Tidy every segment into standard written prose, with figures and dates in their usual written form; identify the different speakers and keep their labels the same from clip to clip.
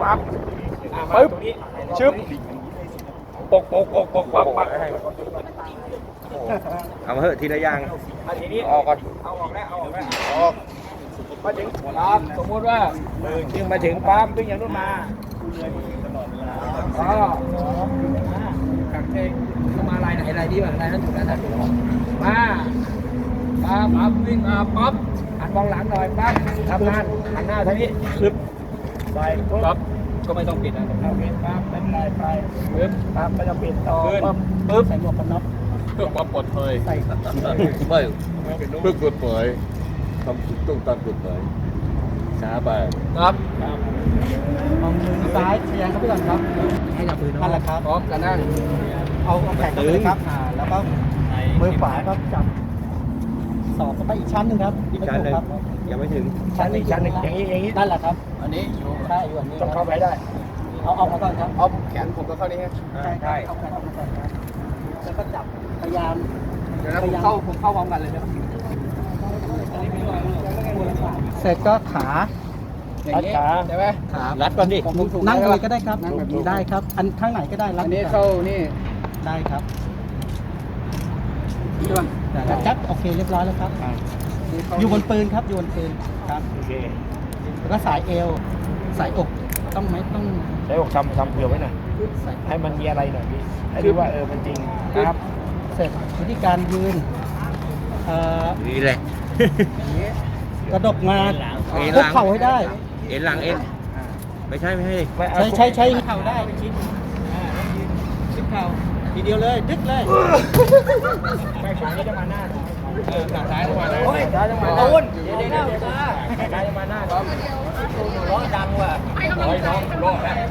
Speaker 1: ปั๊บปึ๊บชึบปกปั๊บ
Speaker 2: เอามาเถอะทีละอย่าง
Speaker 1: ทีนี้ออกก่อนเอาออกแล้วออกมาถึงปั๊บสมมติว่าดึงมาถึงปั๊บดึงอย่างนู้นมาก็กักเองมาลายไหนลายนี้บ้างลายนั้นถูกแล้วนะมาปั๊บวิ่งมาปั๊บหันมองหลังหน่อยปั๊บทำงานหันหน้าทางนี้ปึ๊บไปปั๊บก็ไม่ต้องปิดนะเอาปิดปั๊บเป็นไรไปปึ๊บปั๊บไม่ต้องปิดต่อปึ๊บใส่หมวกกันน็อก
Speaker 3: เพื่อความปลอดภัย
Speaker 1: ใส่
Speaker 3: ไม่เพื่อกฎหมายทำถูกต้องตามกฎหมายช้าไป
Speaker 1: ครับมองมือซ้ายเฉียงเข้าไปก่อนครับให้จับปืนนั่นแหละครับพร้อมกันนั่งเอาแขนขึ้นครับแล้วก็มือขวาก็จับสอบไปอีกชั้นหนึ่งครับ
Speaker 2: อีกชั้นหนึ่งยังไม่ถึง
Speaker 1: ชั้นหนึ่งอย่างนี้นั่นแหละครับอันนี้อยู่ใช่อยู่อันนี้ต้องเข้าไปได้เอามาก่อนครับเอาแขนผมก็เข้านี่ใช่เอาแขนออกมาก่อนครับแล้วก็จับพยายามเดี๋ยวนะผมเข้าพร้อมกันเลยนะครับเสร็จก็ขาใช่ไหมขารัดก่อนดินั่งเลยก็ได้ครับได้ครับอันข้างไหนก็ได้รัดอันนี้เข้านี่ได้ครับจับโอเคเรียบร้อยแล้วครับอยู่บนปืนครับอยู่บนปืนครับโอเคแล้วก็สายเอวสายอกต้องไหมต้องสายอกทำเผื่อไว้หน่อยให้มันมีอะไรหน่อยพี่ให้ดูว่ามันจริงครับเสร็จวิธีการยืน
Speaker 2: นี่แหละ
Speaker 1: กระดกมาคุกเข่าให้ได้
Speaker 2: เอ็นหลังเอ็นไม่ใช่
Speaker 1: ใช้เข่าได้ชิดชิดเข่าทีเดียวเลยดึกเลยไปขวานี่จะมาหน้าซ้ายจะมาหน้าซ้ายจะมาหน้าโอนเดี๋ยวซ้ายจะมาหน้าครับร้องดังว่ะร้อยน้องร้องแล้ว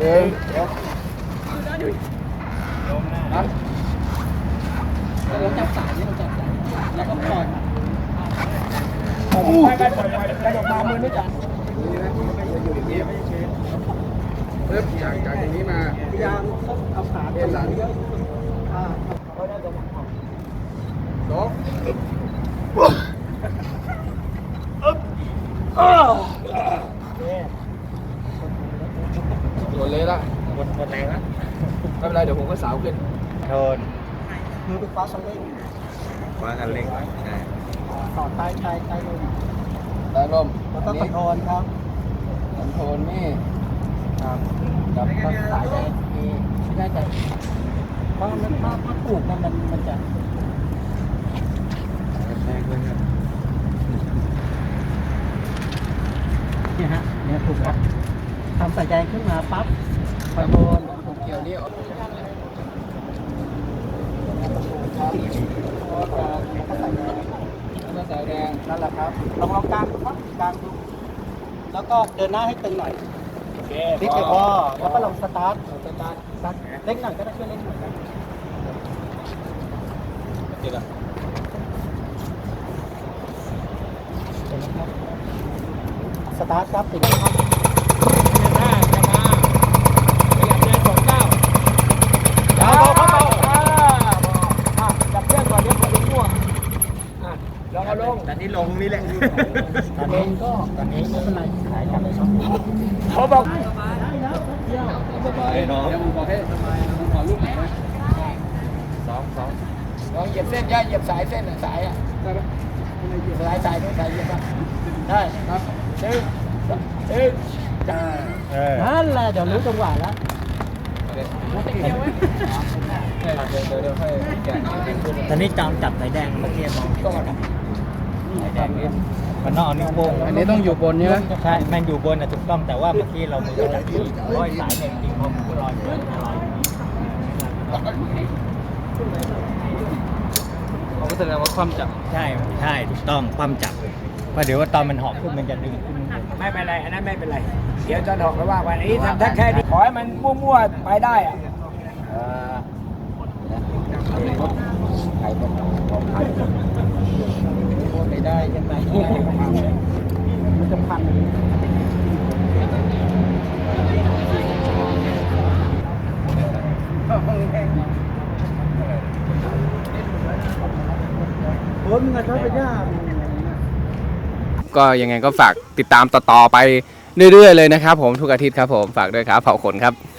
Speaker 1: เราจับสายนี่เราจับสายแล้วก็ปล่อยไปกระดกมามือไม่จับอยู่อย่างนี้ไม่ใช่เริ่มจากอย่างนี้มาพยายามเอาขาเอ็นหลังโต๊ะโดนเลยละหมดแรงละไม่เป็นไรเดี๋ยวผมก็สาวขึ้น
Speaker 2: โทน
Speaker 1: มือไปคว้าคันเร่ง
Speaker 2: ใช่
Speaker 1: ต่อใต้ลมแล้วก็คอนโทรลครับคอนโทรลนี่ครับกับสายได้ไม่ได้แต่เพราะมันถ้าปลูกมันจะ
Speaker 2: แรงเลยครับ
Speaker 1: เนี่ยฮะเนี่ยถูกครับทำสายแดงขึ้นมาปั๊บคอนโทรลเกี่ยวนี้สายแดงนั่นแหละครับลองกลางดูครับกลางดูแล้วก็เดินหน้าให้ตึงหน่อยโอเคพลิกไปพอแล้วก็ลองสตาร์ทเล็กหน่อยก็ได้ช่วยเล็กหน่อยครับเดี๋ยวนะครับสตาร์ทครับติดครับ
Speaker 2: ตอนนี้ลงนี่แหละ
Speaker 1: ตอนนี้ก็ตอนนี้ไม่เป็นไรสายจับเลยครับ
Speaker 2: เขาบอก
Speaker 1: ไอ้น้องผมบอกให้ผมขอลูกหน่อยนะสองลองเหยียบเส้นย่าเหยียบสายเส้นสายอ่ะได้ไหมสายเหยียบป่ะได้ครับนั่นแหละเดี๋ยวรู้จังหวะแล้วตอนนี้จำจับสายแดงเมื่อกี้มองก็มาสายแดงนี่มันนอกนิ้วโป้งอันนี้ต้องอยู่บนใช่ไหมใช่มันอยู่บนนะถูกต้องแต่ว่าเมื่อกี้เรามือจับที่ร้อยสายเนี่ยจริงๆมันก็ลอยเขาก็แสดงว่าความจับใช่ถูกต้องความจับเพราะเดี๋ยวว่าตอนมันหอบขึ้นมันจะดึงขึ้นไม่เป็นไรอันนั้นไม่เป็นไรเดี๋ยวจะหอกแล้วว่าวันนี้ทำแค่นี้ขอให้มันมั่วๆไปได้อะใครเป็นของใครไม่ได้ยังไงมันจะพันโอ้ยมึงอะชอบไปย่า
Speaker 2: ก็ยังไงก็ฝากติดตามต่อไป
Speaker 4: เรื่อยๆเลยนะครับผมทุกอาทิตย์ครับผมฝากด้วยครับเผาขนครับ